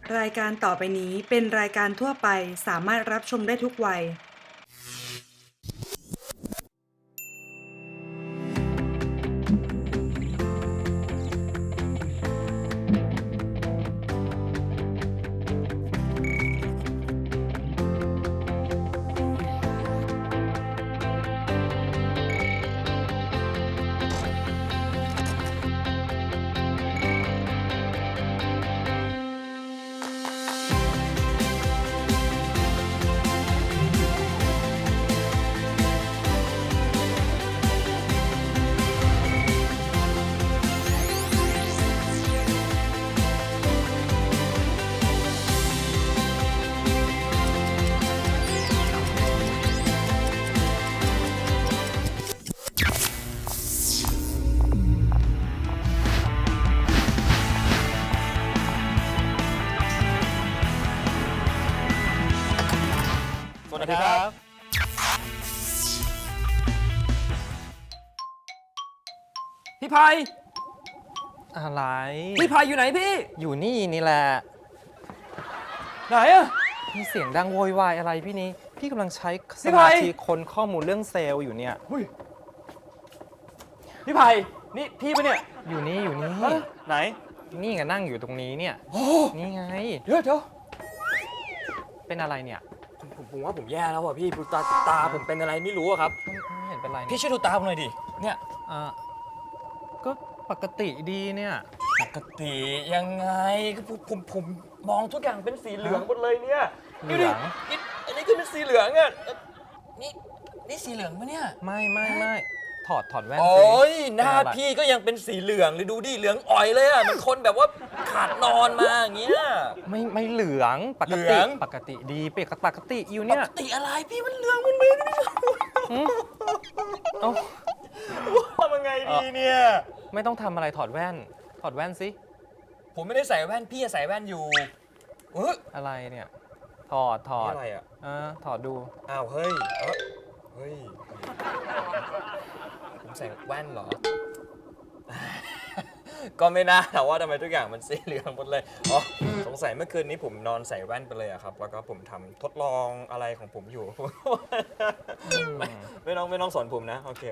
รายการต่อไปนี้เป็นรายการทั่วไปสามารถรับชมได้ทุกวัยสวัสดีครับพี่ภัยอะไรพี่ภัยอยู่ไหนพี่อยู่นี่แหละไหนอะมีเสียงดังโวยวายอะไรพี่นี้พี่กำลังใช้สพี่ไผ่มาธิค้นข้อมูลเรื่องเซลล์อยู่เนี่ยหุ้ยพี่ภัยนี่พี่ปะเนี่ยอยู่นี่ฮะไหนนี่ไงนั่งอยู่ตรงนี้เนี่ยโอ้นี่ไงเดี๋ยวเป็นอะไรเนี่ยผมว่าผมแย่แล้วว่ะพี่ตาผมเป็นอะไรไม่รู้อะครับไม่เห็นเป็นไรพี่เนี่ยช่วยดูตาผมหน่อยดิเนี่ยอ่าก็ปกติดีเนี่ยปกติยังไงก็ผมมองทุกอย่างเป็นสีเหลืองหมดเลยเนี่ยเหลืองนี่อันนี้ก็เป็นสีเหลืองอะนี่สีเหลืองปะเนี่ยไม่ถอดแว่นโอสิ้ยหน้าเป็นอะไรพี่ก็ยังเป็นสีเหลืองเลยดูดิเหลืองอ่อยเลยอะเหมันคนแบบว่าขาดนอนมาอย่างเงี้ยไม่เหลืองปกเหลืติองปกติดีปกติอยู่ปเนี่ยกติอะไรพี่มันเหลืองมันไม่ได้เอ้าทำยังไงดีเนี่ยไม่ต้องทำอะไรถอดแว่นสิผมไม่ได้ใส่แว่นพี่ใส่แว่นอยู่เอออะไรเนี่ยถอดนี่อะไรอ่ะถอดดูอ้าวเฮ้ยเฮ้ยผมใส่แว่นเหรอ ก็ไม่น่าแต่ว่าทำไมทุกอย่างมันสีเหลืองหมดเลยอ๋อสงสัยเมื่อคืนนี้ผมนอนใส่แว่นไปเลยอะครับแล้วก็ผมทำทดลองอะไรของผมอยู่ ไม่ต้องสอนผมนะโอเค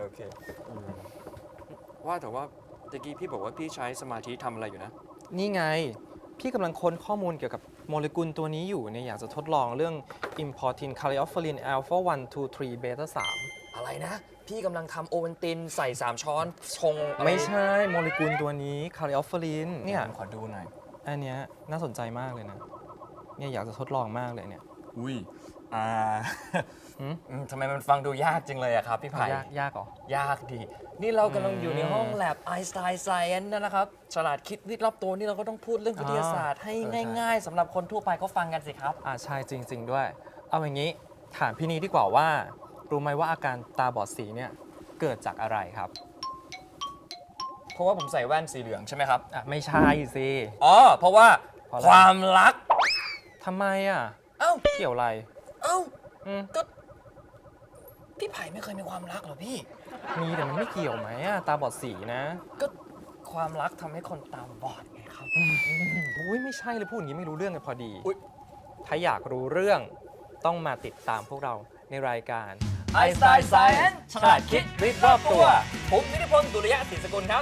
ว่าแต่ว่าตะกี้พี่บอกว่าพี่ใช้สมาธิทำอะไรอยู่นะนี่ไง พี่กำลังค้นข้อมูลเกี่ยวกับโมเลกุลตัวนี้อยู่เนี่ยอยากจะทดลองเรื่อง importin caryophyllene alpha 1 2 3 beta อะไรนะ พี่กำลังทำโอวัลตินใส่ 3 ช้อนชง 3 ไม่ใช่โมเลกุลตัวนี้ caryophyllene เนี่ยขอดูหน่อยอันเนี้ยน่าสนใจมากเลยนะเนี่ยอยากจะทดลองมากเลยเนี่ยอุ้ยหืมทำไมมันฟังดูยากจังเลยอะครับพี่ไผ่ยากเหรอยากดี นี่เรากำลังอยู่ในห้องแลบไอน์สไตน์ไซเอนนะครับ ฉลาดคิดวิทย์รอบตัวนี่เราก็ต้องพูดเรื่องวิทยาศาสตร์ให้ง่ายๆสำหรับคนทั่วไปเขาฟังกันสิครับใช่จริง ๆ ด้วย เอาอย่างนี้ถามพี่นี้ดีกว่าว่ารู้ไหมว่าอาการตาบอดสีเนี่ยเกิดจากอะไรครับเพราะว่าผมใส่แว่นสีเหลืองใช่ไหมครับไม่ใช่สิอ๋อ เพราะว่าเพราะอะไรความรักทำไมอ่ะเอ้าเกี่ยวอะไรเอ้าอืมก็พี่ไผ่ไม่เคยมีความรักเหรอพี่มีแต่มันไม่เกี่ยวไหมอะตาบอดสีนะก็ความรักทำให้คนตาบอดไงครับอุ้ยไม่ใช่เลยพูดอย่างนี้ไม่รู้เรื่องเลยพอดีอุ๊ยถ้าอยากรู้เรื่องต้องมาติดตามพวกเราในรายการไอน์สไตน์ไซเอนฉลาดคิดวิทย์รอบตัว ผมนิติพลตุลยะศรีสกุลครับ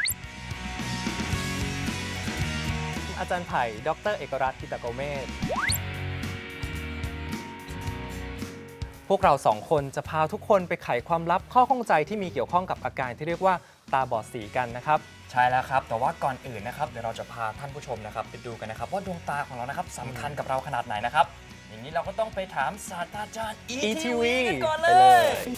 อาจารย์ไผ่ ดรเอกรัตน์กิตโกเมศพวกเราสองคนจะพาทุกคนไปไขความลับข้อข้องใจที่มีเกี่ยวข้องกับอาการที่เรียกว่าตาบอดสีกันนะครับใช่แล้วครับ แต่ว่าก่อนอื่นนะครับเดี๋ยวเราจะพาท่านผู้ชมนะครับไปดูกันนะครับว่าดวงตาของเรานะครับสำคัญกับเราขนาดไหนนะครับ อย่างนี้เราก็ต้องไปถามศาสตราจารย์ ETV กันก่อนเลไปเลย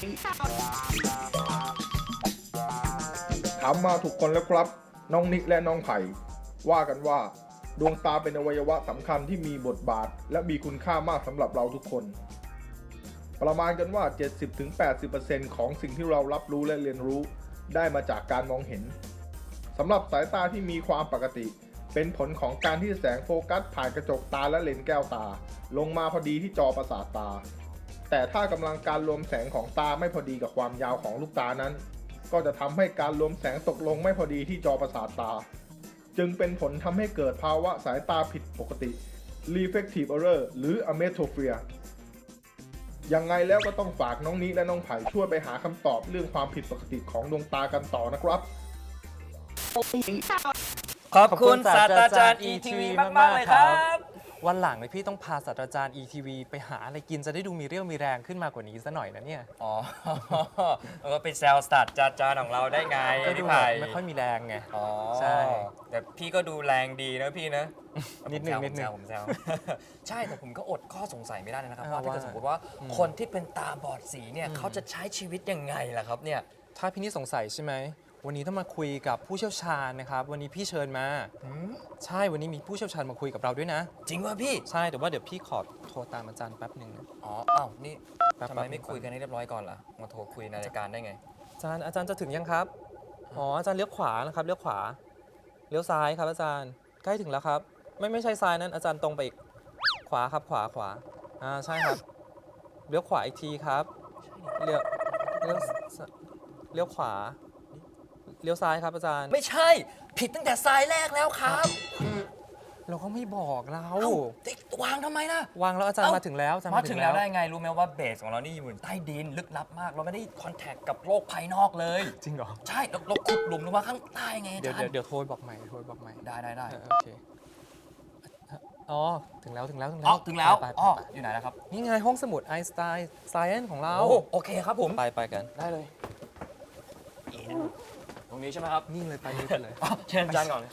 ถามมาถูกคนแล้วครับ น้องนิกและน้องไผ่ว่ากันว่า ดวงตาเป็นอวัยวะสำคัญที่มีบทบาท และมีคุณค่ามากสำหรับเราทุกคน ประมาณกันว่า 70-80% ของสิ่งที่เรารับรู้และเรียนรู้ได้มาจากการมองเห็นสำหรับสายตาที่มีความปกติ เป็นผลของการที่แสงโฟกัสผ่านกระจกตาและเลนส์แก้วตา ลงมาพอดีที่จอประสาทตา แต่ถ้ากำลังการรวมแสงของตาไม่พอดีกับความยาวของลูกตานั้น ก็จะทำให้การรวมแสงตกลงไม่พอดีที่จอประสาทตา จึงเป็นผลทำให้เกิดภาวะสายตาผิดปกติ refractive error หรือ ametropia ยังไงแล้วก็ต้องฝากน้องนิและน้องไผ่ช่วยไปหาคำตอบเรื่องความผิดปกติของดวงตากันต่อนะครับขอบคุณศาสตราจารย์ ETV มากๆเลยครับวันหลังเลยพี่ต้องพาศาสตราจารย์ ETV ไปหาอะไรกินจะได้ดูมีเรี่ยวมีแรงขึ้นมากว่านี้ซะหน่อยนะเนี่ยอ๋อ แล้วก็ไปแซวศาสตราจารย์ของเราได้ไงก็ดูพี่แบไผ่บไม่ค่อยมีแรงไงอ๋อใช่แต่พี่ก็ดูแรงดีนะพี่นะนิดนึงผมแซว ใช่แต่ผมก็อดข้อสงสัยไม่ได้นะครับอ่าว่าถ้าเกิดว่าสมมติว่าคนที่เป็นตาบอดสีเนี่ยเขาจะใช้ชีวิตยังไงล่ะครับเนี่ยถ้าพี่นี่สงสัยใช่ไหมวันนี้ต้องมาคุยกับผู้เชี่ยวชาญนะครับวันนี้พี่เชิญมาใช่วันนี้มีผู้เชี่ยวชาญมาคุยกับเราด้วยนะจริงว่าพี่ใช่แต่ว่าเดี๋ยวพี่ขอโทรตามอาจารย์แป๊บหนึ่งนะอ๋ออ้าวนี่แป๊บทำไมๆไม่คุยกันให้เรียบร้อยก่อนล่ะ มาโทรคุยในรายการได้ไงอาจารย์จะถึงยังครับอ๋ออาจารย์เลี้ยวขวานะครับเลี้ยวขวาเลี้ยวซ้ายครับอาจารย์ใกล้ถึงแล้วครับไม่ใช่ซ้ายนั้นอาจารย์ตรงไปอีกขวาครับขวาใช่ครับเลี้ยวขวาอีกทีครับเลี้ยวเลี้ยวขวาเลี้ยวซ้ายครับอาจารย์ไม่ใช่ ผิดตั้งแต่สายแรกแล้วครับเราก็ไม่บอกเราเอ้าติ๊กวางทำไมนะวางแล้วอาจารย์เอ้ามาถึงแล้วอาจารย์มาถึงแล้วได้ไง รู้ไหมว่าเบสของเรานี่อยู่ใต้ดินลึกลับมาก เราไม่ได้คอนแทคกับโลกภายนอกเลยจริงเหรอใช่เราขุดหลุมลงมาข้างใต้ไงอาเดี๋ยวจารย์เดี๋ยวโทรบอกใหม่ได้โอเคอ๋อถึงแล้วอ๋อถึงแล้วไปอ๋ออยู่ไหนแล้วครับนี่ไงห้องสมุดไอน์สไตน์ไซเอนของเราโอ้โอเคครับผมไปกันได้เลยตรงนี้ใช่ไหมครับนี่เลยไปเลยอ๋อเชิญอาจารย์ก่อนเลย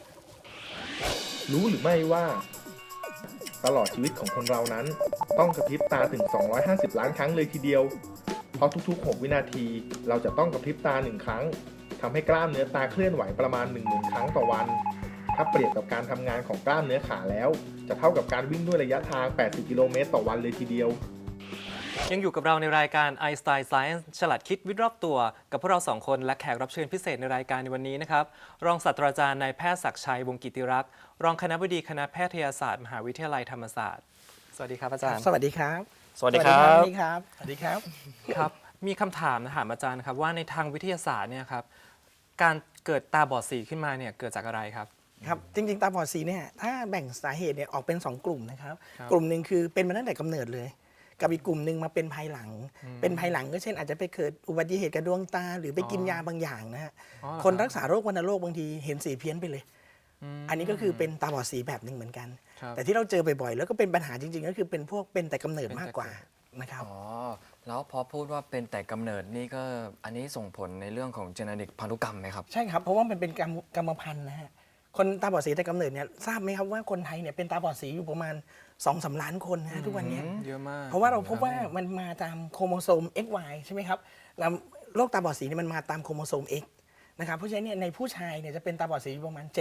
รู้หรือไม่ว่า ตลอดชีวิตของคนเรานั้น ต้องกระพริบตาถึง 250 ล้านครั้งเลยทีเดียว เพราะทุกๆ 6 วินาที เราจะต้องกระพริบตา 1 ครั้งทำให้กล้ามเนื้อตาเคลื่อนไหวประมาณ 10,000 ครั้งต่อวัน ถ้าเปรียบกับการทำงานของกล้ามเนื้อขาแล้ว จะเท่ากับการวิ่งด้วยระยะทาง 80 กิโลเมตรต่อวันเลยทีเดียวยังอยู่กับเราในรายการ Einstein Science ฉลาดคิดวิทย์รอบตัว กับพวกเราสองคนและแขกรับเชิญพิเศษในรายการในวันนี้นะครับรองศาสตราจารย์นายแพทย์ศักดิ์ชัยวงศ์กิติรักษ์รองคณบดีคณะแพทยศาสตร์มหาวิทยาลัยธรรมศาสตร์สวัสดีครับอาจารย์สวัสดีครับสวัสดีครับสวัสดีครับ สวัสดีครับครับมีคำถามถามอาจารย์ครับว่าในทางวิทยาศาสตร์เนี่ยครับการเกิดตาบอดสีขึ้นมาเนี่ยเกิดจากอะไรครับครับ จริง ๆ ตาบอดสีเนี่ยถ้าแบ่งสาเหตุเนี่ยออกเป็น 2 กลุ่มนะครับครับกลุ่มหนึ่งคือเป็นมาตั้งแต่กำเนิดเลย กับอีกกลุ่มหนึ่งมาเป็นภายหลัง เป็นภายหลังก็เช่นอาจจะไปเกิดอุบัติเหตุกับดวงตา หรือไปกินยาบางอย่างนะฮะอ๋อเหรอคนรักษาโรควัณโรคบางทีเห็นสีเพี้ยนไปเลย อันนี้ก็คือเป็นตาบอดสีแบบหนึ่งเหมือนกันครับแต่ที่เราเจอบ่อยๆแล้วก็เป็นปัญหาจริง ๆ ก็คือเป็นพวกเป็นแต่กำเนิดมากกว่านะครับอ๋อ แล้วพอพูดว่าเป็นแต่กำเนิดนี่ก็อันนี้ส่งผลในเรื่องของเจเนติกพันธุกรรมไหมครับใช่ครับ เพราะว่ามันเป็นกรรมพันธุ์นะฮะ คนตาบอดสีแต่กำเนิดเนี่ยทราบไหมครับว่าคนไทยเนี่ยเป็นตาบอดสีอยู่ประมาณ 2-3 ล้านคนนะฮะทุกวันเนี้ยเยอะมากเพราะว่าเราพบว่ามันมาตามโครโมโซม XY ใช่ไหมครับแล้วโรคตาบอดสีเนี่ยมันมาตามโครโมโซม X นะครับ เพราะฉะนั้นเนี่ยในผู้ชายเนี่ยจะเป็นตาบอดสีอยู่ประมาณ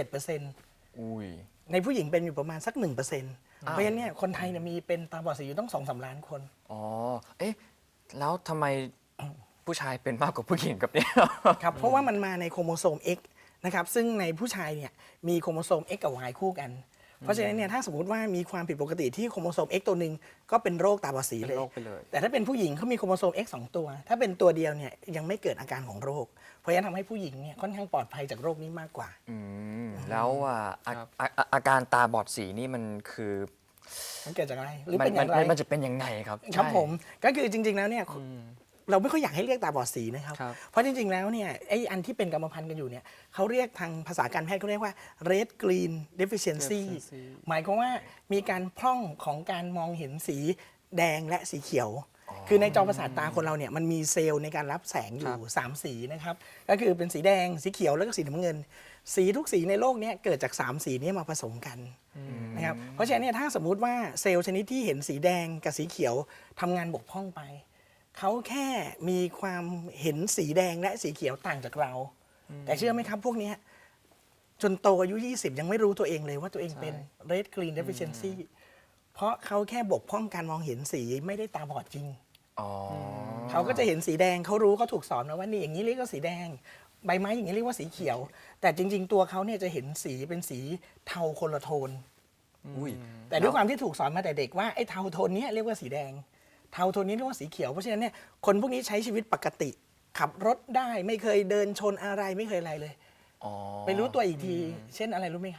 7% อุ้ยในผู้หญิงเป็นอยู่ประมาณสัก 1%เพราะฉะนั้นเนี่ยคนไทยเนี่ยมีเป็นตาบอดสีอยู่ต้อง 2-3 ล้านคนอ๋อ เอ๊ะ แล้วทำไมผู้ชายเป็นมากกว่าผู้หญิงกับเนี่ยครับ เพราะว่ามันมาในโครโมโซม X นะครับ ซึ่งในผู้ชายเนี่ยมีโครโมโซม X กับ Y คู่กัน เพราะฉะนั้นเนี่ยถ้าสมมติว่ามีความผิดปกติที่โครโมโซม X ตัวหนึ่งก็เป็นโรคตาบอดสีเป็นเลยโรคไปเลยแต่ถ้าเป็นผู้หญิงเขามีโครโมโซม X 2 ตัว ถ้าเป็นตัวเดียวเนี่ยยังไม่เกิดอาการของโรค เพราะฉะนั้นทำให้ผู้หญิงเนี่ยค่อนข้างปลอดภัยจากโรคนี้มากกว่าแล้วครับอาการตาบอดสีนี่มันคือมันเกิดจากอะไรหรือมันเป็นอย่างไรมันจะเป็นยังไงครับครับใช่ผมก็คือจริง ๆแล้วเนี่ยเราไม่ค่อยอยากให้เรียกตาบอดสีนะครับครับเพราะจริง ๆ แล้วเนี่ยไอ้อันที่เป็นกรรมพันธุ์กันอยู่เนี่ยเขาเรียกทางภาษาการแพทย์เขาเรียกว่า red green deficiency หมายความว่ามีการพร่องของการมองเห็นสีแดงและสีเขียว คือในจอประสาทตาคนเราเนี่ยมันมีเซลล์ในการรับแสงอยู่ 3 สีนะครับก็คือเป็นสีแดงสีเขียวแล้วก็สีน้ำเงิน สีทุกสีในโลกเนี้เกิดจาก 3 สีนี้มาผสมกันนะครับเพราะฉะนั้นเนี่ยถ้าสมมุติว่าเซลล์ชนิดที่เห็นสีแดงกับสีเขียวทำงานบกพร่องไปเขาแค่มีความเห็นสีแดงและสีเขียวต่างจากเรา แต่เชื่อไหมครับพวกเนี้ยจนโตอายุ 20 ยังไม่รู้ตัวเองเลยว่าตัวเองเป็น red green deficiency เพราะเขาแค่บกพร่องการมองเห็นสีไม่ได้ตาบอดจริงอ๋อเขาก็จะเห็นสีแดงเขารู้เขาถูกสอนมาว่านี่อย่างนี้เรียกว่าสีแดง ใบไม้อย่างนี้เรียกว่าสีเขียว แต่จริง ๆ ตัวเขาเนี่ยจะเห็นสีเป็นสีเทาคนละโทนอุ้ยแต่ด้วยความที่ถูกสอนมาแต่เด็กว่าไอ้เทาโทนเนี้ยเรียกว่าสีแดง เทาโทนนี้เรียกว่าสีเขียวเพราะฉะนั้นเนี่ยคนพวกนี้ใช้ชีวิตปกติ ขับรถได้ไม่เคยเดินชนอะไรไม่เคยอะไรเลยอ๋อไปรู้ตัวอีกที เช่นอะไรรู้ไหมครับ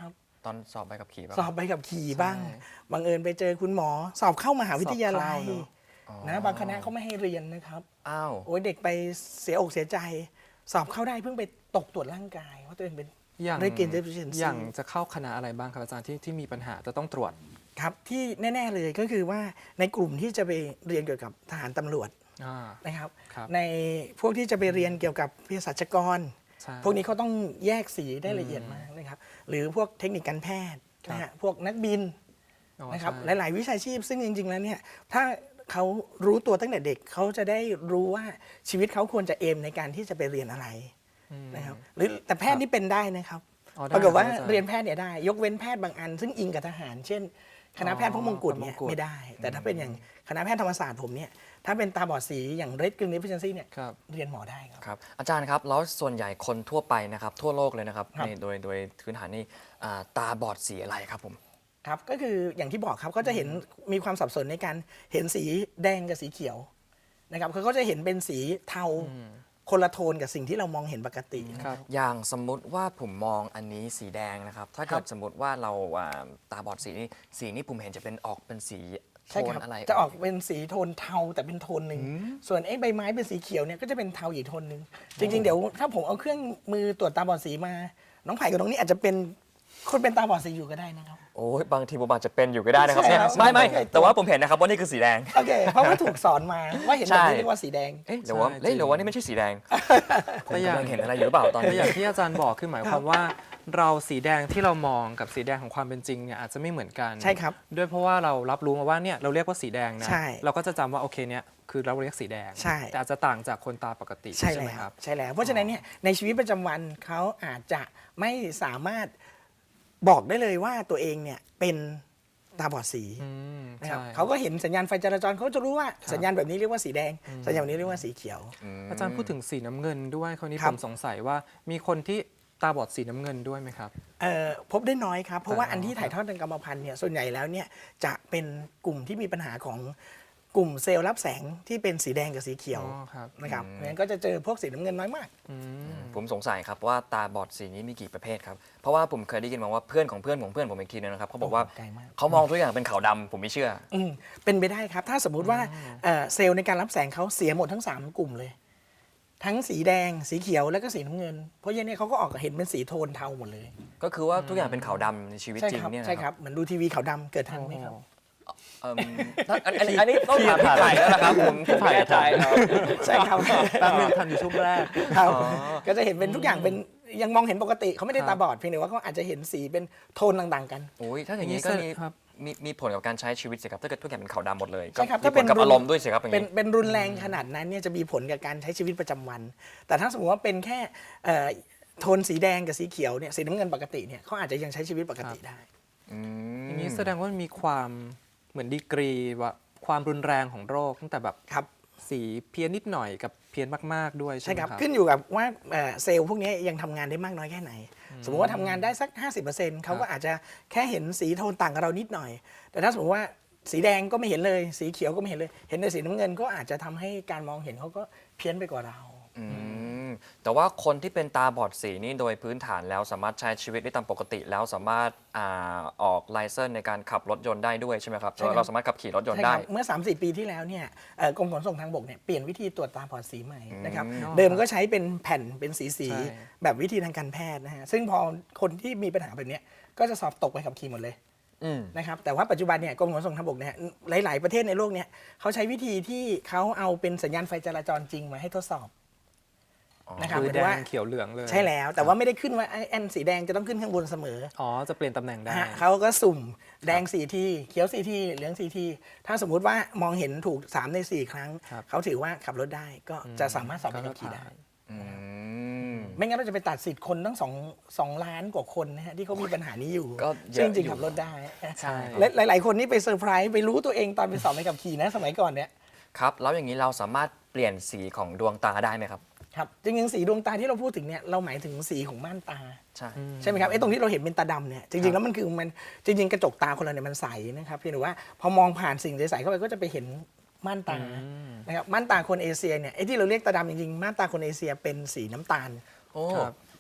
ตอนสอบใบขับขี่ป่ะสอบใบขับขี่บ้างใช่บังเอิญไปเจอคุณหมอ สอบเข้ามหาวิทยาลัยสอบเข้าเนอะนะบางคณะเขาไม่ให้เรียนนะครับอ้าวโอ้ยเด็กไปเสียอกเสียใจ สอบเข้าได้เพิ่งไปตกตรวจร่างกายว่าตัวเองเป็นอย่างได้เกณฑ์ deficiency อย่างจะเข้าคณะอะไรบ้างครับอาจารย์ที่มีปัญหาจะต้องตรวจครับที่แน่ ๆเลยก็คือว่าในกลุ่มที่จะไปเรียนเกี่ยวกับทหารตำรวจอ่านะครับครับในพวกที่จะไปเรียนเกี่ยวกับเภสัชกรใช่พวกนี้เขาต้องแยกสีได้ละเอียดมากนะครับ หรือพวกเทคนิคการแพทย์นะฮะพวกนักบินอ๋อนะครับใช่หลาย ๆ วิชาชีพ ซึ่งจริง ๆ แล้วเนี่ยถ้าเขารู้ตัวตั้งแต่เด็กเขาจะได้รู้ว่าชีวิตเขาควรจะเอมในการที่จะไปเรียนอะไรนะครับหรือแต่แพทย์นี่เป็นได้นะครับอ๋อได้ปรากฏว่าครับอาจารย์เรียนแพทย์เนี่ยได้ ยกเว้นแพทย์บางอัน ซึ่งอิงกับทหาร เช่น คณะแพทย์พระมงกุฎเนี่ยพระมงกุฎไม่ได้ แต่ถ้าเป็นอย่างคณะแพทย์ธรรมศาสตร์ผมเนี่ยถ้าเป็นตาบอดสีอย่าง Red Green Deficiency เนี่ยครับเรียนหมอได้ครับครับอาจารย์ครับแล้วส่วนใหญ่คนทั่วไปนะครับทั่วโลกเลยนะครับครับโดยพื้นฐานนี่ตาบอดสีอะไรครับผมครับก็คืออย่างที่บอกครับก็จะเห็นมีความสับสนในการเห็นสีแดงกับสีเขียวนะครับเขาก็จะเห็นเป็นสีเทาคนละโทนกับสิ่งที่เรามองเห็นปกติครับอย่างสมมุติว่าผมมองอันนี้สีแดงนะครับ ถ้าเกิดสมมติว่าเราตาบอดสีนี่ผมเห็นจะเป็นออกเป็นสีโทใช่นครับอะไรจะออกเป็นสีโทนเทาแต่เป็นโทนหนึ่งส่วนไอ้ใบไม้เป็นสีเขียวเนี่ยก็จะเป็นเทาอีกโทนหนึ่งจริง ๆ เดี๋ยวถ้าผมเอาเครื่องมือตรวจตาบอดสีมา น้องไผ่กับน้องนี่อาจจะเป็นคนเป็นตาบอดสีอยู่ก็ได้นะครับโอ้ยบางทีผมอาจจะเป็นอยู่ก็ได้นะครับใช่เนี่ยครับไม่ใช่แต่ว่าผมเห็นนะครับว่านี่คือสีแดงโอเคเพราะว่าถูกสอนมาว่าเห็นแบบนี้เรียกว่าสีแดงเอ๊ะหรือว่าใช่เอ๊ะจริงหรือว่านี่ไม่ใช่สีแดงผมแต่อย่างกำลังเห็นอะไรอยู่หรือเปล่าตอนแต่นี้อย่างที่อาจารย์บอกคือหมายความว่า เราสีแดงที่เรามองกับสีแดงของความเป็นจริงเนี่ยอาจจะไม่เหมือนกันใช่ครับด้วยเพราะว่าเรารับรู้มาว่าเนี่ยเราเรียกว่าสีแดงนะใช่เราก็จะจำว่าโอเคเนี่ยคือเราเรียกสีแดงใช่แต่อาจจะต่างจากคนตาปกติใช่ไหมแล้วครับใช่แล้ว เพราะฉะนั้นเนี่ยในชีวิตประจำวันเขาอาจจะไม่สามารถบอกได้เลยว่าตัวเองเนี่ยเป็นตาบอดสีอืมนะครับใช่เขาก็เห็นสัญญาณไฟจราจรเขาจะรู้ว่าสัญญาณแบบนี้เรียกว่าสีแดง สัญญาณแบบนี้เรียกว่าสีเขียวอาจารย์พูดถึงสีน้ำเงินด้วยคราวนี้ครัผบมสงสัยว่ามีคนที่ตาบอดสีน้ำเงินด้วยไหมครับพบได้น้อยครับ เพราะว่าอ๋ออัอันที่ถ่ายทอดทางกรรมพันธุ์เนี่ยส่วนใหญ่แล้วเนี่ยจะเป็นกลุ่มที่มีปัญหาของกลุ่มเซลล์รับแสงที่เป็นสีแดงกับสีเขียวอ๋อครับนะครับงั้นก็จะเจอพวกสีน้ำเงินน้อยมากผมสงสัยครับว่าตาบอดสีนี้มีกี่ประเภทครับ เพราะว่าผมเคยได้ยินมาว่าเพื่อนของเพื่อนของเพื่อนผมอีกทีนึงนะครับเขาบอกว่าโอ้โหไกลมากเขามองทุกอย่างเป็นขาวดำผมไม่เชื่อเป็นไปได้ครับ ถ้าสมมุติว่าเซลล์ในการรับแสงเขาเสียหมดทั้ง 3 กลุ่มเลย ทั้งสีแดงสีเขียวแล้วก็สีน้ำเงิน เพราะยันเนี่ยเขาก็ออกเห็นเป็นสีโทนเทาหมดเลยก็คือว่าทุกอย่างเป็นขาวดำในชีวิตใช่จริงครับเนี่ยนะใช่คครับ รับเหมือนดูทีวีขาวดำเกิดทันไหมครับเอิ่มอันนี้ต้องถามพี่ไผ่แล้วนะครับผมไม่แน่ใจครับใช่ครับแป๊บนึงทันอยู่ช่วงแรกครับก็จะเห็นเป็นทุกอย่างเป็นยังมองเห็นปกติเขาไม่ได้ครัตาบบอดเพียงแต่ว่าเขาอาจจะเห็นสีเป็นโทนต่างๆกันโอ้ยถ้าอย่างนี้ก็ครับมีผลกับการใช้ชีวิตสิครับถ้าเกิดทุกอย่างเป็นขาวดำหมดเลยใช่ครับก็ถ้ามีผเป็นลกับรุนอารมณ์ด้วยสิครับอย่างเป็นนี้เป็นรุนแรงขนาดนั้นเนี่ยจะมีผลกับการใช้ชีวิตประจำวัน แต่ถ้าสมมติว่าเป็นแค่โทนสีแดงกับสีเขียวเนี่ยสีน้ำเงินปกติเนี่ยเขาอาจจะยังใช้ชีวิตปกติได้อย่างนี้แสดงว่ามันมีความเหมือนดีกรีว่าความรุนแรงของโรคตั้งแต่แบบครับสีเพี้ยนนิดหน่อยกับเพี้ยนมากๆด้วยใช่ใช่ไหมคครัรับบ ขึ้นอยู่กับว่าเซลล์พวกนี้ยังทำงานได้มากน้อยแค่ไหน สมมติว่าทำงานได้สัก 50%เขาก็อาจจะแค่เห็นสีโทนต่างกับเรานิดหน่อย แต่ถ้าสมมติว่าสีแดงก็ไม่เห็นเลย สีเขียวก็ไม่เห็นเลย เห็นแต่สีน้ำเงินก็อาจจะทำให้การมองเห็นเขาก็เพี้ยนไปกว่าเราแต่ว่าคนที่เป็นตาบอดสีนี่โดยพื้นฐานแล้วสามารถใช้ชีวิตได้ตามปกติ แล้วสามารถออกไลเซนส์ในการขับรถยนต์ได้ด้วยใช่ไหมครับใช่ครับเราสามารถขับขี่รถยนต์ใช่คได้รับเมื่อ 3-4 ปีที่แล้วเนี่ยกรมขนส่งทางบกเนี่ยเปลี่ยนวิธีตรวจตาบอดสีใหม่นะครับ เดิมก็ใช้เป็นแผ่นเป็นสีใช่แบบวิธีทางการแพทย์นะฮะซึ่งพอคนที่มีปัญหาแบบเนี้ยก็จะสอบตกไปขับขี่หมดเลย นะครับแต่ว่าปัจจุบันเนี่ยกรมขนส่งทางบกเนี่ยหลาย ๆ ประเทศในโลกเนี่ยเขาใช้วิธีที่เขาเอาเป็นสัญญาณไฟจราจรจริงมาให้ทดสอบนะครับคือเหมือแดนว่างเขียวเหลืองเลยใช่แล้วแต่ว่าไม่ได้ขึ้นว่าไอ้แอนสีแดงจะต้องขึ้นข้างบนเสมออ๋อจะเปลี่ยนตำแหน่งได้นะฮะเขาก็สุ่มแดง4 ทีเขียว4 ทีเหลือง4 ทีถ้าสมมุติว่ามองเห็นถูก3 ใน 4 ครั้งครับเขาถือว่าขับรถได้ก็จะสามารถสอบใบขับขี่ได้อืมไม่งั้นเราจะไปตัดสิทธิ์คนตั้ง2 ล้านกว่าคนนะฮะที่เขามีปัญหานี้อยู่ก็เยอะซึ่งจริงอยู่ๆขับรถได้ใช่และหลาย ๆ คนนี่ไปเซอร์ไพรส์ไปรู้ตัวเองตอนไปสอบใบขับขี่นะสมัยก่อนเนี่ยครับแล้วอย่างนี้เราสามารถเปลี่ยนสีของดวงตาได้ไหมครับครับจริงๆสีดวงตาที่เราพูดถึงเนี่ยเราหมายถึงสีของม่านตาใช่ใช่ไหมครับไอ้ตรงที่เราเห็นเป็นตาดำเนี่ยจริงๆแล้วมันคือมันจริง ๆ กระจกตาคนเราเนี่ยมันใสนะครับเพียงแต่ว่าพอมองผ่านสิ่งใสๆเข้าไปก็จะไปเห็นม่านตานะครับม่านตาคนเอเชียเนี่ยไอ้ที่เราเรียกตาดำจริงๆม่านตาคนเอเชียเป็นสีน้ำตาลโอ้ครับ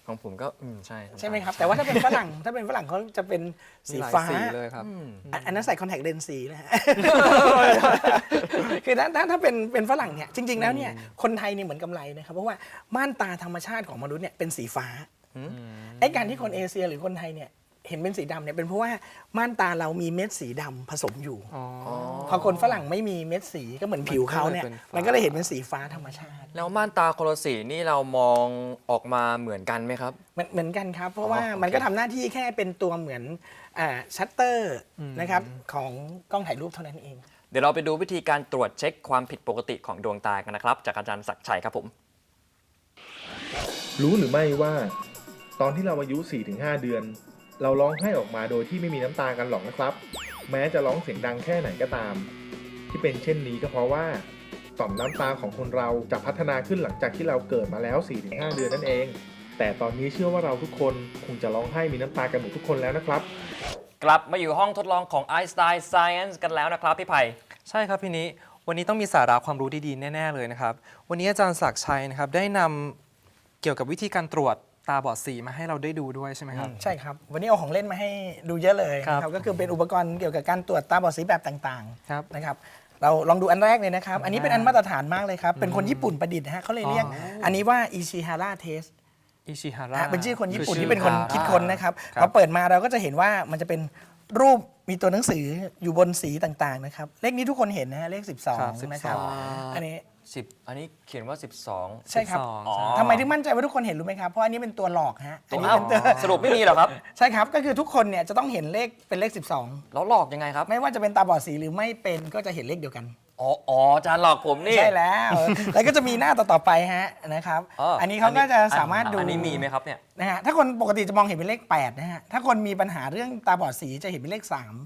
ของผมก็ใช่ใช่ไหมครับ แต่ว่าถ้าเป็นฝรั่ง ถ้าเป็นฝรั่งเขาจะเป็นมีสีหลายฟ้าสีเลยครับอันนั้นใส่คอนแทคเลนส์สีนะฮะ คือถ้าเป็นฝรั่งเนี่ยจริง ๆ แล้วเนี่ยคนไทยเนี่ยเหมือนกำไรนะครับเพราะว่าม่านตาธรรมชาติของมนุษย์เนี่ยเป็นสีฟ้าไอ้การที่คนเอเชียหรือคนไทยเนี่ยเห็นเป็นสีดำเนี่ยเป็นเพราะว่าม่านตาเรามีเม็ดสีดำผสมอยู่ พอคนฝรั่งไม่มีเม็ดสีก็เหมือนผิวเขาเนี่ยมันก็เลยเห็นเป็นสีฟ้าธรรมชาติแล้วม่านตาคนละสีนี่เรามองออกมาเหมือนกันไหมครับเหมือนกันครับ เพราะว่าโอเคมันก็ทำหน้าที่แค่เป็นตัวเหมือนชัตเตอร์นะครับของกล้องถ่ายรูปเท่านั้นเองเดี๋ยวเราไปดูวิธีการตรวจเช็คความผิดปกติของดวงตากันนะครับ จากอาจารย์ศักดิ์ชัยครับผมรู้หรือไม่ว่า ตอนที่เราอายุ 4-5 เดือน เราร้องไห้ออกมาโดยที่ไม่มีน้ำตากันหรอกนะครับ แม้จะร้องเสียงดังแค่ไหนก็ตาม ที่เป็นเช่นนี้ก็เพราะว่าต่อมน้ำตาของคนเราจะพัฒนาขึ้นหลังจากที่เราเกิดมาแล้ว 4-5 เดือนนั่นเอง แต่ตอนนี้เชื่อว่าเราทุกคนคงจะร้องไห้มีน้ำตากันหมดทุกคนแล้วนะครับกลับมาอยู่ห้องทดลองของ Einstein Science กันแล้วนะครับพี่ไผ่ใช่ครับพี่นี้วันนี้ต้องมีสาระความรู้ดีๆแน่ๆเลยนะครับวันนี้อาจารย์ศักดิ์ชัยนะครับได้นำเกี่ยวกับวิธีการตรวจตาบอดสีมาให้เราได้ดูด้วยใช่ไหมครับใช่ครับ วันนี้เอาของเล่นมาให้ดูเยอะเลยครับนะครับก็คือเป็นอุปกรณ์เกี่ยวกับการตรวจตาบอดสีแบบต่างครับๆนะครับเราลองดูอันแรกเลยนะครับ อันนี้เป็นอันมาตรฐานมากเลยครับ เป็นคนญี่ปุ่นประดิษฐ์นะฮะเขาเลยเรียกอันนี้ว่าอิชิฮาระเทสอิชิฮาระเป็นชื่อคนญี่ปุ่นคือที่เป็นคนชื่อคิดค้นนะครับครับพอเปิดมาเราก็จะเห็นว่ามันจะเป็นรูปมีตัวหนังสืออยู่บนสีต่างๆนะครับเลขนี้ทุกคนเห็นนะฮะเลขครับ 12นะครับอันนี้ 10 อันนี้เขียนว่า 12 ใช่ครับ 12 อ๋อทำไมถึงมั่นใจว่าทุกคนเห็นรู้ไหมครับเพราะอันนี้เป็นตัวหลอกฮะอันนี้อ้าวเป็นตัวสรุปไม่มีเหรอครับใช่ครับก็คือทุกคนเนี่ยจะต้องเห็นเลขเป็นเลข 12 แล้วหลอกยังไงครับไม่ว่าจะเป็นตาบอดสีหรือไม่เป็นก็จะเห็นเลขเดียวกันอ๋ออาจารย์หลอกผมนี่ใช่แล้ว แล้วก็จะมีหน้าต่อๆไปฮะนะครับ อันนี้เขาก็จะสามารถดูอันนี้มีไหมครับเนี่ยนะฮะถ้าคนปกติจะมองเห็นเป็นเลข8นะฮะถ้าคนมีปัญหาเรื่องตาบอดสีจะเห็นเป็นเลข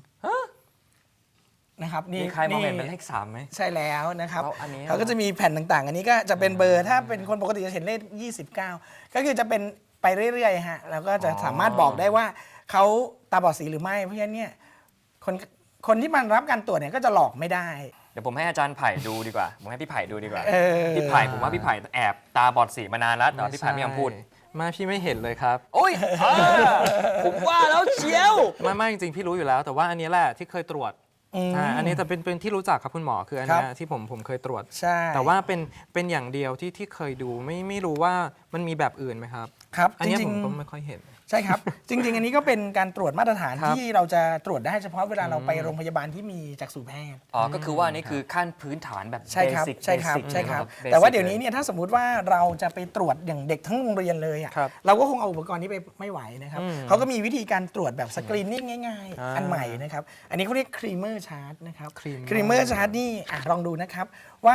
3นะครับนี่มีใครมองเห็นเป็นเลข3ไหมใช่แล้วนะครับแล้วอันนี้เขาก็จะมีแผ่นต่างๆ อันนี้ก็จะเป็นเบอร์ถ้าเป็นคนปกติจะเห็นเลข29ก็คือจะเป็นไปเรื่อยๆฮะแล้วก็จะสามารถบอกได้ว่าเขาตาบอดสีหรือไม่เพราะฉะนั้นเนี่ยคนที่มันรับการตรวจเนี่ยก็จะหลอกไม่ได้เดี๋ยวผมให้อาจารย์ไผ่ดูดีกว่า ผมให้พี่ไผ่ดูดีกว่าเออพี่ไผ่ผมว่าพี่ไผ่แอบตาบอดสีมานานแล้วแต่ว่าพี่ไผ่ไม่ยอมพูดไม่พี่ไม่เห็นเลยครับโอ้ยผมว่าแล้วเชียวไม่จริงๆพี่รู้อยู่แล้ว แต่ว่าอันนี้แหละที่เคยตรวจอันนี้แต่เป็นที่รู้จักครับคุณหมอคืออันเนี้ยที่ผมเคยตรวจใช่แต่ว่าเป็นอย่างเดียวที่เคยดูไม่รู้ว่ามันมีแบบอื่นไหมครับครับอันจเนี้ยริผงมๆก็ไม่ค่อยเห็นใช่ครับ จริง ๆ อันนี้ก็เป็นการตรวจมาตรฐานครับที่เราจะตรวจได้เฉพาะเวลาเราไปโรงพยาบาลที่มีจักษุแพทย์อ๋อ ก็คือว่านี่คือขั้นพื้นฐานแบบใช่ครับ basic ใช่ครับ basic ใช่ครับ basic แต่ว่าเดี๋ยวนี้เนี่ยถ้าสมมุติว่าเราจะไปตรวจอย่างเด็กทั้งโรงเรียนเลยอ่ะครับเราก็คงเอาอุปกรณ์นี้ไปไม่ไหวนะครับเขาก็มีวิธีการตรวจแบบสกรีนนิ่งง่าย ๆ อันใหม่นะครับอันนี้เขาเรียกครีเมอร์ชาร์ตนะครับ Creamer ครีเมอร์ชาร์ตนี่ลองดูนะครับว่า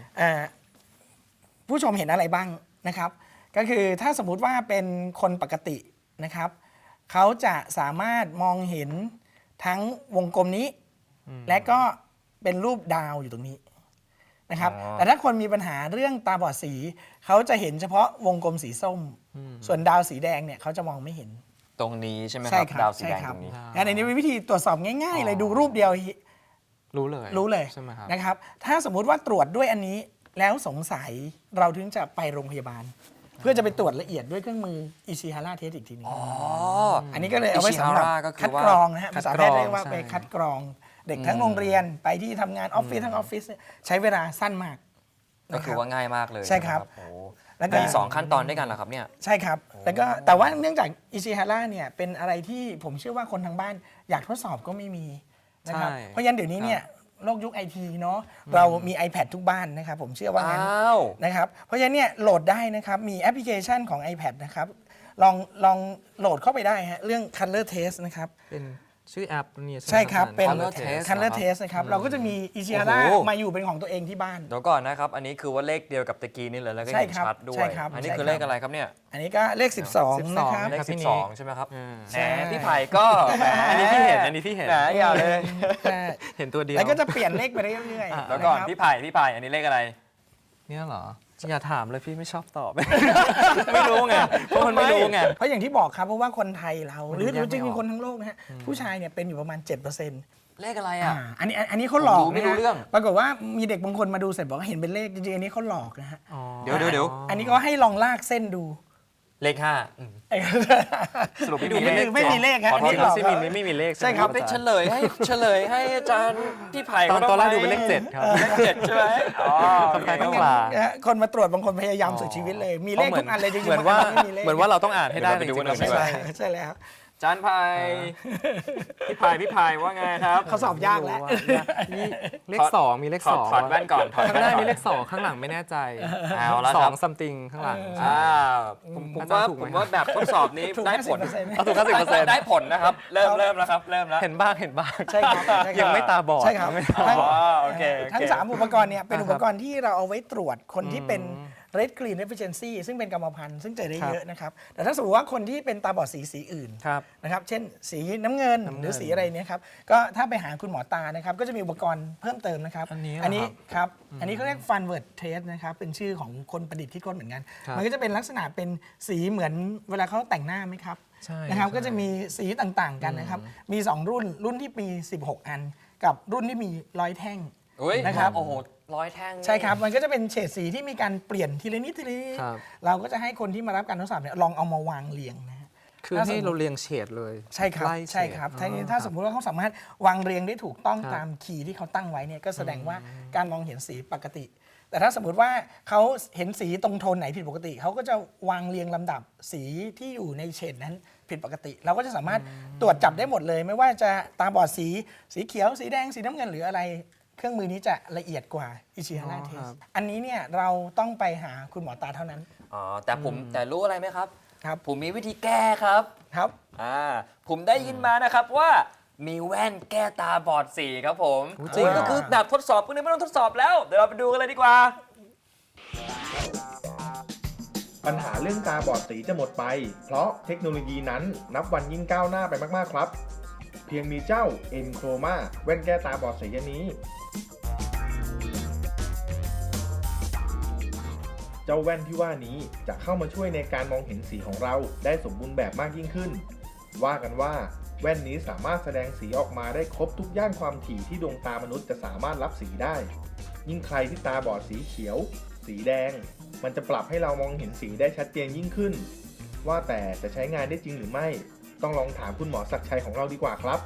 ผู้ชมเห็นอะไรบ้างนะครับ ก็คือถ้าสมมุติว่าเป็นคนปกตินะครับเขาจะสามารถมองเห็นทั้งวงกลมนี้ และก็เป็นรูปดาวอยู่ตรงนี้นะครับอ๋อแต่ถ้าคนมีปัญหาเรื่องตาบอดสีเขาจะเห็นเฉพาะวงกลมสีส้ม ส่วนดาวสีแดงเนี่ยเขาจะมองไม่เห็นตรงนี้ใช่ไหมคใช่รับครับดาวสีใช่แดงครัตรงนี้งั้นอันนี้เป็นวิธีตรวจสอบง่ายๆเลยดูรูปเดียวรู้เลยรู้เลยใช่ไหมครับนะครับ ถ้าสมมุติว่าตรวจด้วยอันนี้แล้วสงสัยเราถึงจะไปโรงพยาบาล เพื่อจะไปตรวจละเอียดด้วยเครื่องมืออิชิฮาระเทสอีกทีหนึง อันนี้ก็เลยเอาไว้สำหรับ Ishihara ก็คือคัดว่ากรองนะฮะคัภาดษาก แพรทองย์เรียกว่าใช่ไปคัดกรองเด็กทั้งโรงเรียนไปที่ทำงานออฟฟิศทั้งออฟฟิศเนี่ยใช้เวลาสั้นมากก็คือว่าง่ายมากเลยใช่ครับโอ้โหแล้วก็มี2ขั้นตอนด้วยกันเหรอครับเนี่ยใช่ครับแล้วก็แต่ว่าเนื่องจากอิชิฮาระเนี่ยเป็นอะไรที่ผมเชื่อว่าคนทางบ้านอยากทดสอบก็ไม่มีนะครับใช่เพราะฉะนั้นเดี๋ยวนี้เนี่ยโลกยุคไอทีเนาะเรามี iPad ทุกบ้านนะครับผมเชื่อว่างั้นอ้าวนะครับเพราะฉะนั้นเนี่ยโหลดได้นะครับมีแอปพลิเคชันของ iPad นะครับลองโหลดเข้าไปได้ฮะเรื่อง Color Test นะครับเป็นชื่อแอปนี่ใช่ครับเป็น Color Test Color เหรอครับ Test นะครับเราก็จะมีอิชิฮาระโอ้โหมาอยู่เป็นของตัวเองที่บ้านเดี๋ยวก่อนนะครับ อันนี้คือว่าเลขเดียวกับตะกี้นี่เลยแล้วก็ใช่เห็นครับชัดด้วใช่ยครับอันนี้ใช่คือครับเลขอะไรครับเนี่ยอันนี้ก็เลข 12 นะครับเลขครับพี่นิ 12 ใช่ไหมครับใช่แหมพี่ไผ่ก็แหมอันนี้พี่เห็นอันนี้พี่เห็นแหมอย่าเลยใช่เห็นตัวเดียวแล้วก็จะเปลี่ยนเลขไปเรื่อยๆแล้วก่อนนะครับพี่ไผ่อันนี้เลขอะไรเนี่ยเหรออย่าถามเลยพี่ไม่ชอบตอบ ไม่รู้ไงเพราะมันไม่รู้ไงเพราะอย่างที่บอกครับเพราะว่าคนไทยเราหรือมันแยกไม่จริงออกๆคนทั้งโลกนะฮะผู้ชายเนี่ยเป็นอยู่ประมาณ 7% เลขอะไรอ่ะอันนี้เขาหลอกผมดูไม่รู้นะฮะเรื่องปรากฏว่ามีเด็กบางคนมาดูเสร็จบอกว่าเห็นเป็นเลขจริงๆอันนี้เขาหลอกนะฮะเดี๋ยวอันนี้ก็ให้ลองลากเส้นดูเลข สรุปไม่มีเลขไม่มีเลขฮะขอโทษอันนี้หลอกที่ไม่มีเลขใช่ครับไปเฉลยให้อาจารย์พี่ไผ่ตอนแรกดูเป็นเลข 7 ครับเลข7ใช่ไหมอ๋อโอเคคล้ายๆคปรับลาคนมาตรวจบางคนพยายามสุดชีวิตเลย มีเลขทุกอันเลยจริงๆเหมือนว่าไม่มีเลขเหมือนว่าเราต้องอ่านให้ได้เดี๋ยวเราไปดูกันหน่อยจริงๆใช่ไม่ใช่แล้วอาจารย์ไผ่พี่ไผ่ว่าไงครับเขาสอบยากแล้วนี่เลข 2 มีเลขถอด 2 ถอดแว่นก่อนถอดข้างแว่นหน้าก่อนมีเลข 2 ข้างหลังไม่แน่ใจเอาละสคอรับงซัมติงข้างหลังผมอาจารว่าย์ถูกไหผม มว่าแบบทดสอบนี้ถูกได้ผล 50% เอาถูก50% ได้ผลนะครับ เริ่มแล้วครับ เริ่มแล้วเห็นบ้างเห็นบ้างใช่ครับใช่ครับยังไม่ตาบอดใช่ครับยังไม่ตาทั้งบอดอ๋อโอเคทั้ง 3 อุปกรณ์เนี่ยเป็นอุปกรณ์ที่เราเอาไว้ตรวจคนที่เป็น Red Green Deficiency ซึ่งเป็นกรรมพันธุ์ซึ่งเจอได้ครับเยอะนะครับ แต่ถ้าสมมติว่าคนที่เป็นตาบอดสีอื่นครับนะครับ เช่น สีน้ำเงินหรือสีอะไรเนี่ยครับ ก็ถ้าไปหาคุณหมอตานะครับ ก็จะมีอุปกรณ์เพิ่มเติมนะครับอันนี้เหรออันนี้ครับ อันนี้เขาเรียก Funward Test นะครับ เป็นชื่อของคนประดิษฐ์คิดค้นเหมือนกันครับมันก็จะเป็นลักษณะเป็นสีเหมือนเวลาเขาแต่งหน้าไหมครับใช่นะครับใช่ก็จะมีสีต่างๆกันนะครับ มี 2 รุ่นที่มี 16 อัน กับรุ่นที่มี100 แท่งอุ้ยนะครับโอ้โห100 แท่งนี่ใช่ครับ มันก็จะเป็นเฉดสีที่มีการเปลี่ยนทีละนิดทีละนิดครับเราก็จะให้คนที่มารับการทดสอบเนี่ยลองเอามาวางเรียงนะฮะคือถ้าสมให้มุติเราเรียงเฉดเลยใช่ครับไล่เฉดใช่ครับอ๋อถ้าสมมุติว่าเขาสามารถวางเรียงได้ถูกต้องครับตามคีย์ที่เขาตั้งไว้เนี่ยก็แสดงว่าการมองเห็นสีปกติ แต่ถ้าสมมติว่าเขาเห็นสีตรงโทนไหนผิดปกติ เขาก็จะวางเรียงลำดับสีที่อยู่ในเฉดนั้นผิดปกติ เราก็จะสามารถตรวจจับได้หมดเลย ไม่ว่าจะตาบอดสีเขียวสีแดงสีน้ำเงินหรืออะไร เครื่องมือนี้จะละเอียดกว่าอิชิฮาระเทครัสบอันนี้เนี่ยเราต้องไปหาคุณหมอตาเท่านั้นอ๋อแต่รู้อะไรไหมครับครับผมมีวิธีแก้ครับครับผมได้ยินมานะครับว่ามีแว่นแก้ตาบอดสีครับผมโอ้จริงเหรอก็คือแบบทดสอบพวกนี้ไม่ต้องทดสอบแล้ว เดี๋ยวเราไปดูกันเลยดีกว่าปัญหาเรื่องตาบอดสีจะหมดไป เพราะเทคโนโลยีนั้นนับวันยิ่งก้าวหน้าไปมากๆครับ เพียงมีเจ้า M Chroma แว่นแก้ตาบอดสีอันนี้ เจ้าแว่นที่ว่านี้จะเข้ามาช่วยในการมองเห็นสีของเราได้สมบูรณ์แบบมากยิ่งขึ้น ว่ากันว่าแว่นนี้สามารถแสดงสีออกมาได้ครบทุกย่านความถี่ที่ดวงตามนุษย์จะสามารถรับสีได้ ยิ่งใครที่ตาบอดสีเขียว สีแดง มันจะปรับให้เรามองเห็นสีได้ชัดเจนยิ่งขึ้น ว่าแต่จะใช้งานได้จริงหรือไม่ ต้องลองถามคุณหมอศักดิ์ชัยของเราดีกว่าครับ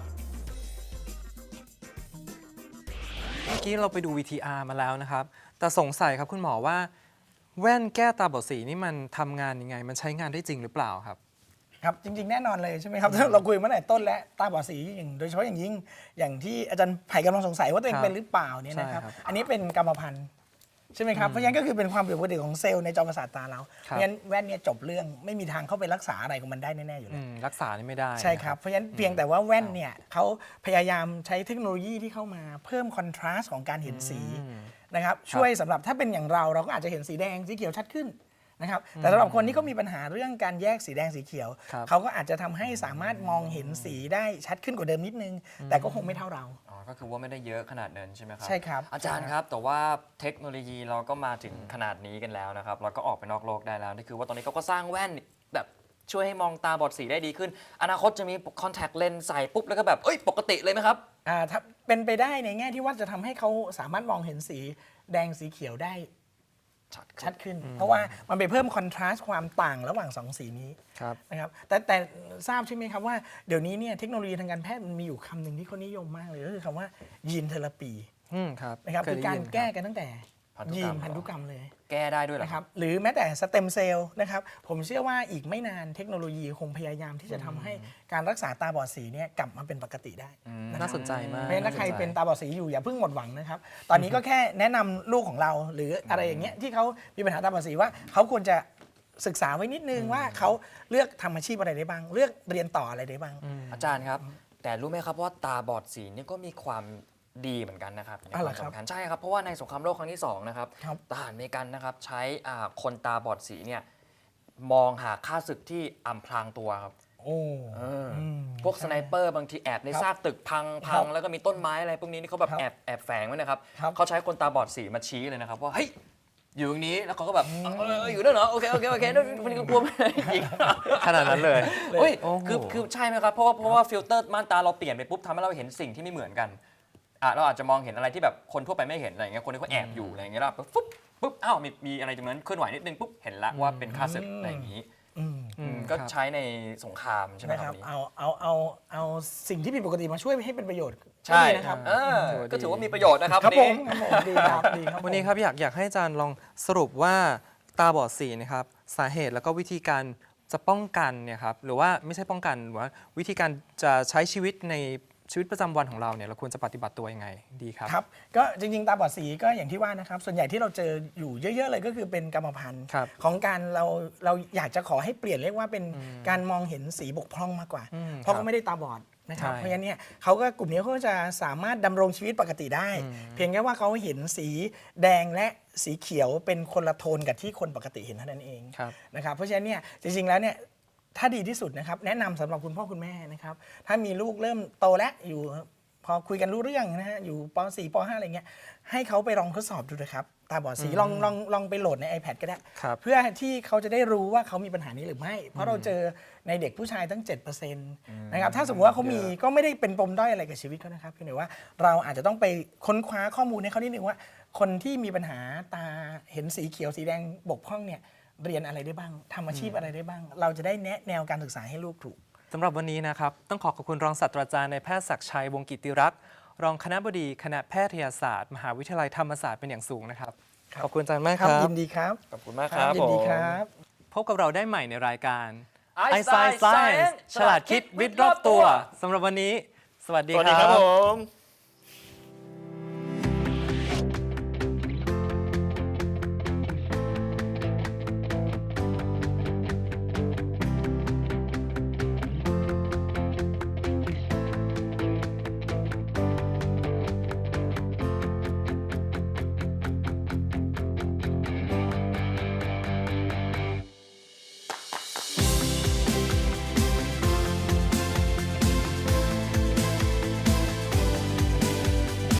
เมื่อกี้เราไปดู VTR มาแล้วนะครับ แต่สงสัยครับคุณหมอว่า แว่นแก้ตาบอดสีนี่มันทำงานยังไง มันใช้งานได้จริงหรือเปล่าครับครับจริงๆ แน่นอนเลยใช่ไหมครับ เราคุยมาตั้งแต่ต้นแล้วตาบอดสีอย่างโดยเฉพาะอย่างยิ่งอย่างที่อาจารย์ไผ่กำลังสงสัยว่าตัวเองครับเป็นหรือเปล่าเนี่ยนะครับใช่ครับอันนี้เป็นกรรมพันธุ์ใช่ไหมครับเพราะฉะนั้นก็คือเป็นความผิดปกติของเซลล์ในจอประสาทตาเราเพครับราะฉะนั้นแว่นเนี่ยจบเรื่องไม่มีทางเข้าไปรักษาอะไรของมันได้แน่ๆอยู่แล้วรักษานี่ไม่ได้ใช่ครับ เพราะฉะนั้นเพียงแต่ว่าแว่นเนี่ยเขาพยายามใช้เทคโนโลยีที่เข้ามาเพิ่มคอนทราสต์ของการเห็นสีนะครับช่วยสำหรับถ้าเป็นอย่างเราก็อาจจะเห็นสีแดงสีเขียวชัดขึ้นนะครับแต่สำหรับคนที่เขามีปัญหาเรื่องการแยกสีแดงสีเขียวครับเขาก็อาจจะทำให้สามารถมองเห็นสีได้ชัดขึ้นกว่าเดิมนิดนึง แต่ก็คงไม่เท่าเราอ๋อ ก็คือว่าไม่ได้เยอะขนาดนั้นใช่ไหมครับใช่ครับอาจารย์ครับ แต่ว่าเทคโนโลยีเราก็มาถึงขนาดนี้กันแล้วนะครับ เราก็ออกไปนอกโลกได้แล้วนี่คือว่าตอนนี้เขาก็สร้างแว่นแบบช่วยให้มองตาบอดสีได้ดีขึ้น อนาคตจะมีคอนแทคเลนส์ใส่ปุ๊บแล้วก็แบบปกติเลยไหมครับถ้าเป็นไปได้ในแง่ที่ว่าจะทำให้เขาสามารถมองเห็นสีแดงสีเขียวได้ชัดขึ้น เพราะว่ามันไปเพิ่มคอนทราสต์ความต่างระหว่างสองสีนี้ครับนะครับแต่ทราบใช่ไหมครับว่าเดี๋ยวนี้เนี่ยเทคโนโลยีทางการแพทย์มันมีอยู่คำหนึ่งที่เขานิยมมากเลยก็คือคำว่ายีนเทอราปีครับนะครับเคคืยอได้การยินแก้ครับกันตั้งแต่พันธุกรรมยีนพันธุกรรมเลยแก้ได้ด้วยเหรอนะครับหรือแม้แต่สเต็มเซลล์นะครับผมเชื่อว่าอีกไม่นานเทคโนโลยีคงพยายามที่จะทำให้การรักษาตาบอดสีเนี่ยกลับมาเป็นปกติได้ะครับน่าสนใจมากเพราะฉะนั้นถ้าใครเป็นตาบอดสีอยู่อย่าเพิ่งหมดหวังนะครับ ตอนนี้ก็แค่แนะนำลูกของเราหรืออะไรอย่างเงี้ยที่เขามีปัญหาตาบอดสีว่าเขาควรจะศึกษาไว้นิดนึงว่าเขาเลือกทำอาชีพอะไรได้บ้าง เลือกเรียนต่ออะไรได้บ้างอาจารย์ครับ แต่รู้ไหมครับว่าตาบอดสีนี่ก็มีความดีเหมือนกันนะครับมีอ๋อคเหรวาอมครับสำคัญใช่ครับเพราะว่าในสงครามโลกครั้งที่2นะครับครับทหารอเมริกันนะครับใช้คนตาบอดสีเนี่ยมองหาค่าศึกที่อำพรางตัวครับโอ้พวกสไนเปอร์บางทีแอบในซากตึกพังครับแล้วก็มีต้นไม้อะไรพวกนี้นี่เขาแบบครับแอบแฝงไว้นะครับครับเขาใช้คนตาบอดสีมาชี้เลยนะครับว่าเฮ้ยอยู่ตรงนี้แล้วเขาก็แบบอยู่ด้วยเหรอโอเคนั่นมันก็กลัวไม่ได้อีกขนาดนั้นเลยเฮ้ยโอ้โหคือใช่ไหมครับ เพราะว่าฟิลเตอร์ม่านตาเราเปลี่ยนไปปุ๊บทำให้เราเห็นสิ่งที่ไม่เหมือนกันเราอาจจะมองเห็นอะไรที่แบบคนทั่วไปไม่เห็นอะไรอย่างเงี้ยคนที่เขาแอบอยู่อะไรอย่างเงี้ยแล้วปุ๊บอ้าวมีอะไรตรงนั้นเคลื่อนไหวนิดนึงปุ๊บเห็นละว่าเป็นค่าศึกอะไรอย่างงี้ก็ครับใช้ในสงครามใช่ไหมนะคครัรับบ วันนี้เอาสิ่งที่ผิดปกติมาช่วยให้เป็นประโยชน์ใช่ก็ดีนะครับก็ถือว่ามีประโยชน์นะครับครับวันผนี้มครับผมดีครับดีครับวันนี้ครับอยากให้อาจารย์ลองสรุปว่าตาบอดสีนะครับสาเหตุแล้วก็วิธีการจะป้องกันเนี่ยครับหรือว่าไม่ใช่ป้องกันหรือว่าวิธีการจะใช้ชีวิตในชีวิตประจำวันของเราเนี่ยเราควรจะปฏิบัติตัวยังไงดีครับครับก็จริงๆตาบอดสีก็อย่างที่ว่านะครับส่วนใหญ่ที่เราเจออยู่เยอะๆเลยก็คือเป็นกรรมพันธุ์ครับของการเราอยากจะขอให้เปลี่ยนเรียกว่าเป็นการมองเห็นสีบกพร่องมากกว่า เพราะครัเขาบไม่ได้ตาบอดนะครับใช่เพราะฉะนั้นเนี่ยเขาก็กลุ่มนี้เขาก็จะสามารถดำรงชีวิตปกติได้ เพียงแค่ว่าเขาเห็นสีแดงและสีเขียวเป็นคนละโทนกับที่คนปกติเห็นเท่านั้นเองครับนะครับเพราะฉะนั้นเนี่ยจริงๆแล้วเนี่ยถ้าดีที่สุดนะครับแนะนำสำหรับคุณพ่อคุณแม่นะครับถ้ามีลูกเริ่มโตแล้วอยู่พอคุยกันรู้เรื่องนะฮะอยู่ป .4 ป .5 อะไรเงี้ยให้เขาไปลองทดสอบดูนะครับตาบอดสีลองไปโหลดใน iPad ก็ได้ครับเพื่อที่เขาจะได้รู้ว่าเขามีปัญหานี้หรือไม่ เพราะเราเจอในเด็กผู้ชายตั้ง 7%นะครับถ้าสมมติว่าเขามีก็ไม่ได้เป็นปมด้อยอะไรกับชีวิตเขานะครับเพียงแต่ว่าเราอาจจะต้องไปค้นคว้าข้อมูลให้เขานิดนึงว่า คนที่มีปัญหาตาเห็นสีเขียวสีแดงบกพร่องเนี่ยเรียนอะไรได้บ้างทำอาชีพอะไรได้บ้าง เราจะได้แนะแนวการศึกษาให้ลูกถูกสำหรับวันนี้นะครับต้องขอบคุณรองศาสตราจารย์นายแพทย์ศักดิ์ชัยวงศ์กิติรักษ์รองคณบดีคณะแพทยศาสตร์มหาวิทยาลัยธรรมศาสตร์เป็นอย่างสูงนะครับครับขอบคุณอาจารย์มากคครัรับบ ยินดีครับขอบคุณมากครับยินดีผมครับพบกับเราได้ใหม่ในรายการ Einstein Science ฉลาดคิดวิทย์รอบตัวสำหรับวันนี้ สวัสดีสวัสคดีรัครับบผม